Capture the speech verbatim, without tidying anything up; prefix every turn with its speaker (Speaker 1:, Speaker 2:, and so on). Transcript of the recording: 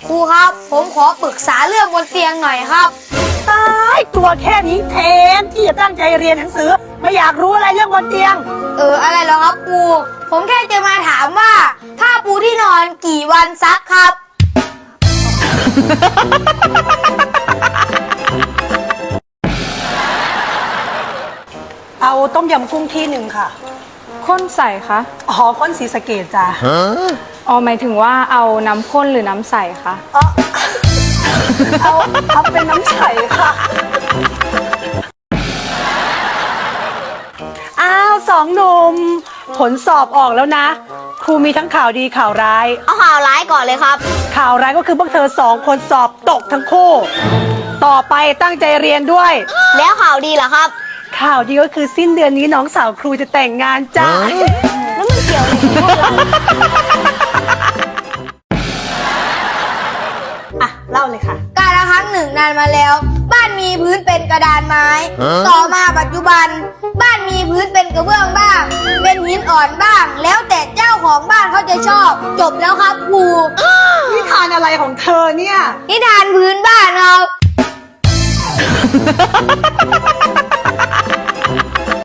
Speaker 1: ครูครับผมขอปรึกษาเรื่องบนเตียงหน่อยครับ
Speaker 2: ตายตัวแค่นี้แทนที่จะตั้งใจเรียนหนังสือไม่อยากรู้อะไรเรื่องบนเตียง
Speaker 1: เอออะไรเหรอครับครูผมแค่จะมาถามว่าผ้าปูที่นอนกี่วันซักครับ
Speaker 2: เอาต้มยำกุ้งที่หนึ่งค่ะ
Speaker 3: ข้นใส่คะ
Speaker 2: อ๋อข้นสีสะเกดจ้ะ
Speaker 3: อ๋อหมายถึงว่าเอาน้ำข้นหรือน้ำใสคะ
Speaker 2: อ๋อเอาเอาเป็นน้ำใสค่ะอ้าวสองหนุ่มผลสอบออกแล้วนะครูมีทั้งข่าวดีข่าวร้าย
Speaker 1: เอาข่าวร้ายก่อนเลยครับ
Speaker 2: ข่าวร้ายก็คือพวกเธอสองคนสอบตกทั้งคู่ต่อไปตั้งใจเรียนด้วย
Speaker 1: แล้วข่าวดีเหรอครับ
Speaker 2: ข่าวดีก็คือสิ้นเดือนนี้น้องสาวครูจะแต่งงานจ้า
Speaker 1: แล้วมันเกี่ยวอะไรกัน
Speaker 2: อ่ะเล่าเลยค่ะ
Speaker 1: กาลครั้งหนึ่งนานมาแล้วบ้านมีพื้นเป็นกระดานไม้ต่อมาปัจจุบันบ้านมีพื้นเป็นกระเบื้องบ้างเป็นหินอ่อนบ้างแล้วแต่เจ้าของบ้านเขาจะชอบจบแล้วครับครู
Speaker 2: นิทานอะไรของเธอเนี่ย
Speaker 1: นิทานพื้นบ้านครับ